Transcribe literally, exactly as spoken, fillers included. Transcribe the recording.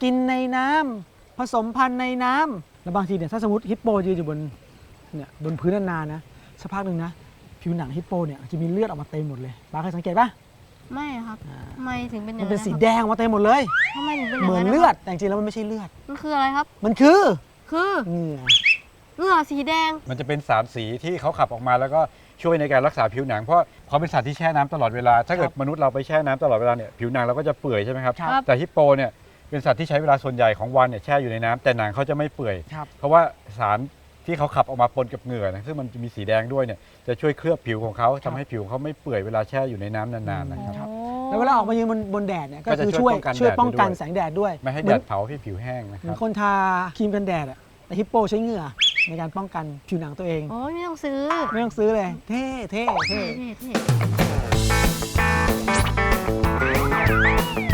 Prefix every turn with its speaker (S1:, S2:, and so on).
S1: กินในน้ำผสมพันธุ์ในน้ำแล้วบางทีเนี่ยถ้าสมมติฮิปโปยืนอยู่บนเนี่ยบนพื้นนานๆนะสักพักหนึ่งนะผิวหนังฮิปโปเนี่ยจะมีเลือดออกมาเต็มหมดเลยป้าเคยสังเกตปะ
S2: ไม่ครับทำไมถึงเป็นอย่าง
S1: มั
S2: นั้น น
S1: เป็นสี
S2: ครับ
S1: แดงออกมาเต็มหมดเลย
S2: ทำไมถึงเป็นอ
S1: เห
S2: ย่าง
S1: มือน
S2: นั้น
S1: เลือดแต่จริงๆแล้วมันไม่ใช่เลือด
S2: มันคืออะไรครับ
S1: มันคือ
S2: คือ
S1: เหงื่อ
S2: เหงื่อสีแดง
S3: มันจะเป็นสารสีที่เขาขับออกมาแล้วก็ช่วยในการรักษาผิวหนังเพราะเขาเป็นสัตว์ที่แช่น้ำตลอดเวลาถ้าเกิดมนุษย์เราไปแช่น้ำตลอดเวลาเนี่ยผิวหนังเราก็จะเปื่อยใช่ไหมครับ
S1: ครับ
S3: แต่ฮิปโปเนี่ยเป็นสัตว์ที่ใช้เวลาส่วนใหญ่ของวันเนี่ยแช่อยู่ในน้ำแต่หนังเขาจะไม่เปื่อย
S1: ครับ
S3: เพราะว่าสารที่เขาขับออกมาปนกับเหงื่อนะซึ่งมันจะมีสีแดงด้วยเนี่ยจะช่วยเคลือบผิวของเขาทำให้ผิวเขาไม่เปื่อยเวลาแช่อยู่ในน้ำนานๆนะครับ
S1: แล้วเวลาออกมายืนบนบนแดดเนี่ยก็
S3: ก็จะ
S1: คือ
S3: ช่
S1: ช่
S3: ว
S1: วย ย
S3: ป้องกัน
S1: ช่วย
S3: แดด
S1: ป้องกัน
S3: ด้วย
S1: แสงแดดด้วย
S3: ไม่ให้
S1: เห
S3: แด
S1: มือน
S3: ดเผาให้ผิวแห้งนะค
S1: เหมือ
S3: รับ
S1: นคนทาครีมกันแดดอะแต่ฮิปโปใช้เหงื่อในการป้องกันผิวหนังตัวเอง
S2: โอ้ยไม่ต้องซื้อ
S1: ไม่ต้องซื้อเลย เท่เท่เท่
S2: เท่ๆ